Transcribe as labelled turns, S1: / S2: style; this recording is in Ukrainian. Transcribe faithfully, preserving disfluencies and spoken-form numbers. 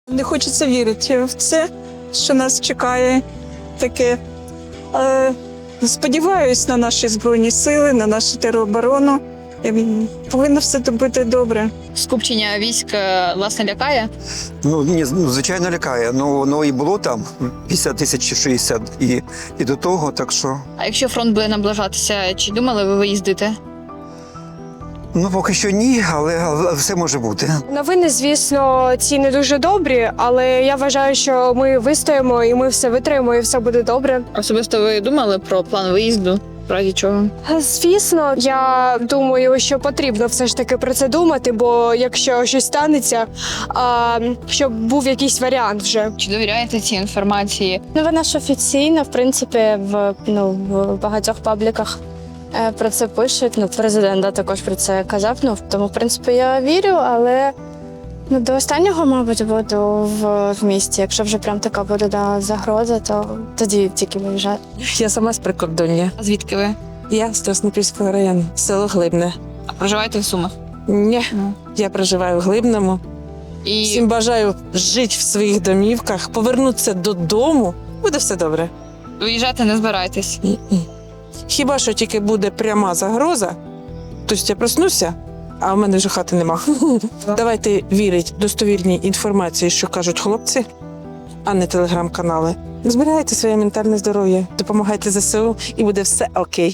S1: Не хочеться вірити в це, що нас чекає таке. Е, Сподіваюсь на наші Збройні сили, на нашу тероборону. Ем, Повинно все бути добре.
S2: Скупчення військ е, власне лякає?
S3: Ну, ні, ну, звичайно, лякає. Ну, воно і було там п'ятдесят тисяч чи шістдесят і, і до того, так що...
S2: А якщо фронт буде наближатися, чи думали ви виїздити?
S3: Ну, поки що ні, але, але все може бути.
S4: Новини, звісно, ці не дуже добрі, але я вважаю, що ми вистоїмо і ми все витримаємо, і все буде добре.
S2: Особисто ви думали про план виїзду? В разі чого?
S4: Звісно, я думаю, що потрібно все ж таки про це думати, бо якщо щось станеться, а, щоб був якийсь варіант вже.
S2: Чи довіряєте цій інформації?
S5: Ну, вона ж офіційна, в принципі, в, ну, в багатьох пабліках е, про це пишуть. Ну, президент да, також про це казав. Ну, тому, в принципі, я вірю, але ну, до останнього, мабуть, буду в, в місті. Якщо вже прям така буде да, загроза, то тоді тільки виїжджати.
S6: Я сама з прикордоння.
S2: А звідки ви?
S6: Я з Краснопільського району, село Глибне.
S2: А проживаєте в Сумах?
S6: Ні,
S2: Ну.
S6: я проживаю в Глибному.
S2: І
S6: Всім бажаю жити в своїх домівках, повернутися додому. Буде все добре.
S2: виїжджати не збираєтесь?
S6: Ні-ні. Хіба що тільки буде пряма загроза, тобто я проснуся, а в мене вже хати нема. Давайте вірити достовірній інформації, що кажуть хлопці, а не телеграм-канали. Зберігайте своє ментальне здоров'я, допомагайте зе се у і буде все окей.